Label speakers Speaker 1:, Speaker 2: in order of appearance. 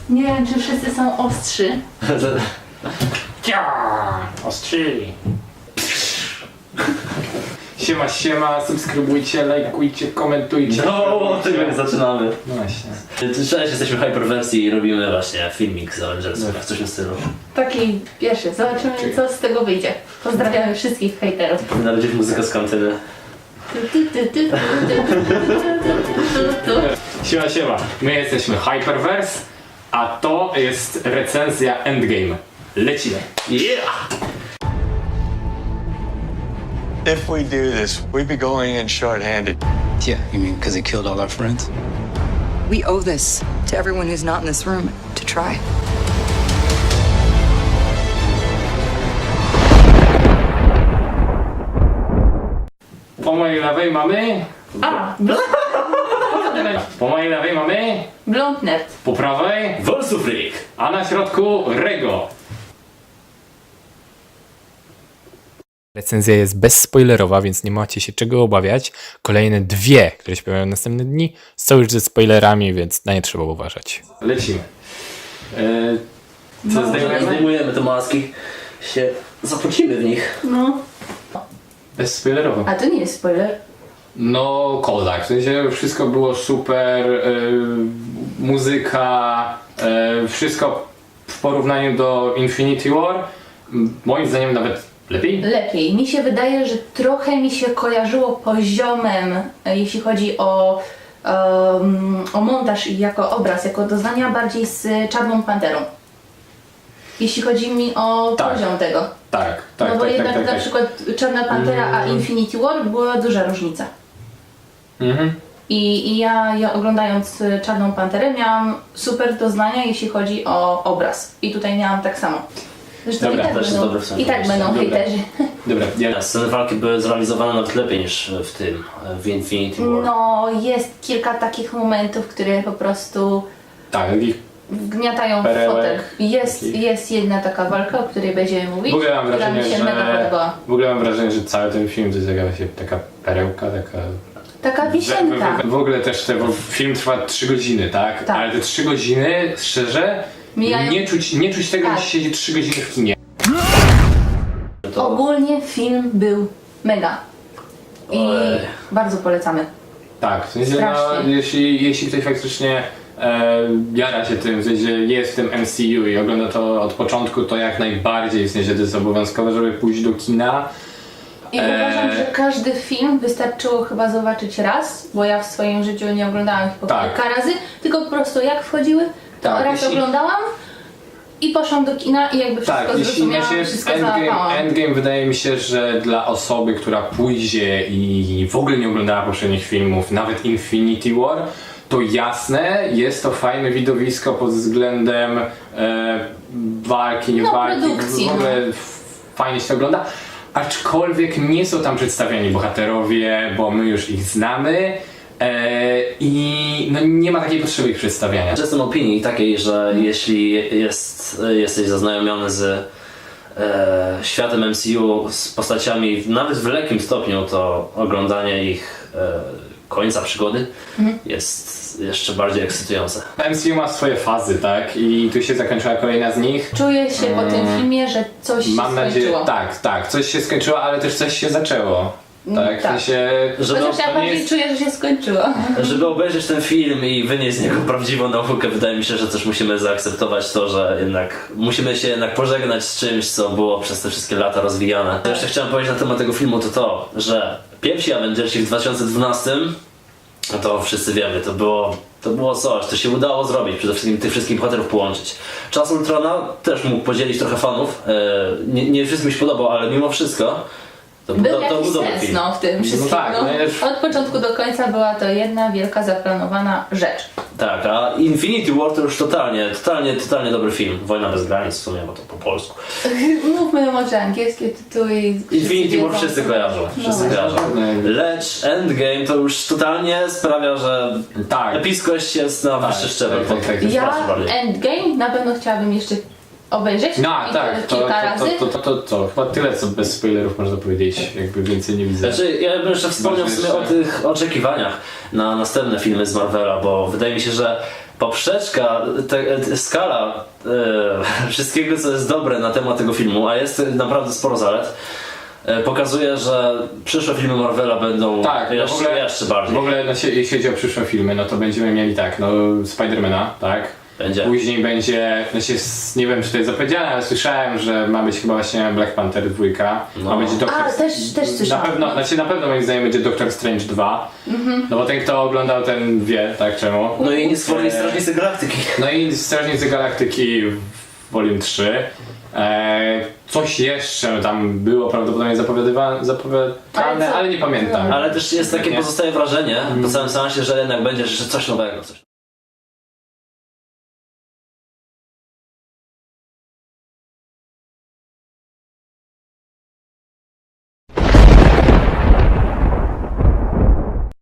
Speaker 1: Nie wiem, czy wszyscy są ostrzy.
Speaker 2: Ostrzyli. Siema, subskrybujcie, lajkujcie, komentujcie.
Speaker 3: No, od tego nie zaczynamy.
Speaker 2: No właśnie.
Speaker 3: Cześć, jesteśmy w Hyperwersji i robimy właśnie filmik z Avengersów, w coś w tym stylu.
Speaker 1: Taki pierwszy. Zobaczymy, co z tego wyjdzie. Pozdrawiamy wszystkich hejterów.
Speaker 3: Na razie muzyka z kantyny.
Speaker 2: Siema. My jesteśmy Hyperverse, a to jest recenzja Endgame. Lecimy.
Speaker 3: Yeah!
Speaker 4: If we do this, we'd be going in short-handed.
Speaker 5: Yeah, you mean because he killed all our friends?
Speaker 6: We owe this to everyone who's not in this room to try.
Speaker 2: Po mojej lewej mamy...
Speaker 1: A,
Speaker 2: Po mojej lewej mamy...
Speaker 1: blond nerd.
Speaker 2: Po prawej...
Speaker 3: Wolsufrik!
Speaker 2: A na środku Rego.
Speaker 7: Recenzja jest bezspoilerowa, więc nie macie się czego obawiać. Kolejne dwie, które się pojawią następne dni, są już ze spoilerami, więc na nie trzeba uważać.
Speaker 2: Lecimy.
Speaker 1: No,
Speaker 3: Zdejmujemy te maski, się zapocimy w nich.
Speaker 1: No.
Speaker 2: Bezspoilerowo.
Speaker 1: A to nie jest spoiler.
Speaker 2: No, kozak. W sensie wszystko było super, muzyka, wszystko w porównaniu do Infinity War. Moim zdaniem nawet lepiej.
Speaker 1: Lepiej. Mi się wydaje, że trochę mi się kojarzyło poziomem, jeśli chodzi o montaż i jako obraz, jako doznania bardziej z Czarną Panterą. Jeśli chodzi mi o
Speaker 2: Tak.
Speaker 1: poziom tego.
Speaker 2: Tak.
Speaker 1: No bo jednak na przykład Czarna Pantera a Infinity War była duża różnica.
Speaker 2: Mhm.
Speaker 1: I ja oglądając Czarną Panterę miałam super doznania, jeśli chodzi o obraz. I tutaj miałam tak samo. Zresztą
Speaker 2: Dobra,
Speaker 1: i tak
Speaker 3: też jest
Speaker 1: będą,
Speaker 3: dobre w sumie
Speaker 1: i tak
Speaker 3: pomysł.
Speaker 1: będą
Speaker 2: Dobra.
Speaker 1: hejterzy.
Speaker 2: Dobra, ja...
Speaker 3: Sceny walki były zrealizowane nawet lepiej niż w tym, w Infinity War.
Speaker 1: No, jest kilka takich momentów, które po prostu
Speaker 2: Tak, takich...
Speaker 1: wgniatają w
Speaker 2: Perełek.
Speaker 1: fotel. Jest jedna taka walka, o której będziemy mówić,
Speaker 2: W ogóle mam
Speaker 1: która
Speaker 2: wrażenie,
Speaker 1: mi się mega podobała.
Speaker 2: że cały ten film to jest jakaś taka perełka, taka...
Speaker 1: Taka wisienka.
Speaker 2: W ogóle też bo film trwa 3 godziny, tak?
Speaker 1: Tak.
Speaker 2: Ale te 3 godziny, szczerze,
Speaker 1: Mijają-
Speaker 2: nie czuć tego,
Speaker 1: Tak.
Speaker 2: że się siedzi 3 godziny w kinie.
Speaker 3: To...
Speaker 1: Ogólnie film był mega. I
Speaker 3: Ojej.
Speaker 1: bardzo polecamy.
Speaker 2: Tak, w sensie, no,
Speaker 1: Strasznie.
Speaker 2: jeśli ktoś faktycznie jara się tym, w sensie jest w tym MCU i ogląda to od początku, to jak najbardziej, w sensie to jest obowiązkowe, żeby pójść do kina.
Speaker 1: I uważam, że każdy film wystarczyło chyba zobaczyć raz, bo ja w swoim życiu nie oglądałam ich po
Speaker 2: Tak.
Speaker 1: kilka razy, tylko po prostu jak wchodziły, to
Speaker 2: Tak,
Speaker 1: raz
Speaker 2: jeśli-
Speaker 1: oglądałam i poszłam do kina i jakby wszystko
Speaker 2: Tak, jeśli
Speaker 1: zrozumiałam, wszystko załapałam.
Speaker 2: Endgame wydaje mi się, że dla osoby, która pójdzie i w ogóle nie oglądała poprzednich filmów, nawet Infinity War, to jasne, jest to fajne widowisko pod względem walki, nie
Speaker 1: No,
Speaker 2: walki,
Speaker 1: produkcji,
Speaker 2: w ogóle fajnie się to ogląda. Aczkolwiek nie są tam przedstawiani bohaterowie, bo my już ich znamy i no, nie ma takiej potrzeby ich przedstawiania.
Speaker 3: Jestem opinii takiej, że jeśli jesteś zaznajomiony z światem MCU, z postaciami nawet w lekkim stopniu, to oglądanie ich końca przygody jest jeszcze bardziej ekscytujące.
Speaker 2: MCU ma swoje fazy, tak? I tu się zakończyła kolejna z nich.
Speaker 1: Czuję się po tym filmie, że coś się
Speaker 2: Mam nadzieję,
Speaker 1: skończyło.
Speaker 2: tak, coś się skończyło, ale też coś się zaczęło. Tak, w
Speaker 1: tak.
Speaker 2: sensie,
Speaker 3: Żeby,
Speaker 1: Chociaż ja
Speaker 2: to nie
Speaker 1: bardziej
Speaker 2: jest-
Speaker 1: czuję, że się skończyło.
Speaker 3: żeby obejrzeć ten film i wynieść z niego prawdziwą naukę, wydaje mi się, że też musimy zaakceptować to, że jednak musimy się jednak pożegnać z czymś, co było przez te wszystkie lata rozwijane. Co jeszcze chciałem powiedzieć na temat tego filmu, to, że pierwsi Avengersi w 2012, no to wszyscy wiemy, to było coś, to się udało zrobić, przede wszystkim tych wszystkich bohaterów połączyć. Czas Ultrona też mógł podzielić trochę fanów, nie wszystkim mi się podobał, ale mimo wszystko to
Speaker 1: Był
Speaker 3: był
Speaker 1: jakiś
Speaker 3: dobry
Speaker 1: sens
Speaker 3: film.
Speaker 1: w tym wszystkim.
Speaker 2: tak, no jest-
Speaker 1: Od początku do końca była to jedna wielka zaplanowana rzecz.
Speaker 3: Tak, a Infinity War to już totalnie dobry film. Wojna bez granic w sumie, bo to po polsku.
Speaker 1: Mówmy może angielskie tytuły.
Speaker 3: Infinity War
Speaker 1: wiedzą.
Speaker 3: wszyscy kojarzą, wszyscy
Speaker 1: No
Speaker 3: kojarzą. Lecz Endgame to już totalnie sprawia, że
Speaker 2: Tak.
Speaker 3: epickość jest na wyższy szczebel.
Speaker 2: tak.
Speaker 1: Ja
Speaker 3: Znacznie bardziej.
Speaker 1: Endgame na pewno chciałabym jeszcze obejrzeć
Speaker 2: No
Speaker 1: i
Speaker 2: tak,
Speaker 1: kilka razy.
Speaker 2: to chyba tyle, co bez spoilerów można powiedzieć, jakby więcej nie widzę.
Speaker 3: Znaczy, ja bym jeszcze wspomniał w sumie o tych oczekiwaniach na następne filmy z Marvela, bo wydaje mi się, że poprzeczka, skala wszystkiego, co jest dobre na temat tego filmu, a jest naprawdę sporo zalet, pokazuje, że przyszłe filmy Marvela będą
Speaker 2: Tak,
Speaker 3: jeszcze bardziej.
Speaker 2: W ogóle jeśli chodzi o przyszłe filmy, no to będziemy mieli tak, no Spidermana, tak?
Speaker 3: Będzie.
Speaker 2: Później będzie, nie wiem czy to jest zapowiedziane, ale słyszałem, że ma być chyba właśnie Black Panther 2, ma być Doctor...
Speaker 1: A, też słyszałam.
Speaker 2: Na pewno moim zdaniem będzie Doctor Strange 2, no bo ten kto oglądał ten wie, tak czemu.
Speaker 3: No i stworzyli Strażnicy Galaktyki.
Speaker 2: No i Strażnicy Galaktyki Volume 3. Coś jeszcze tam było prawdopodobnie zapowiadane, ale nie pamiętam.
Speaker 3: Ale też jest takie pozostaje wrażenie po całym seansie, że jednak będzie jeszcze coś nowego.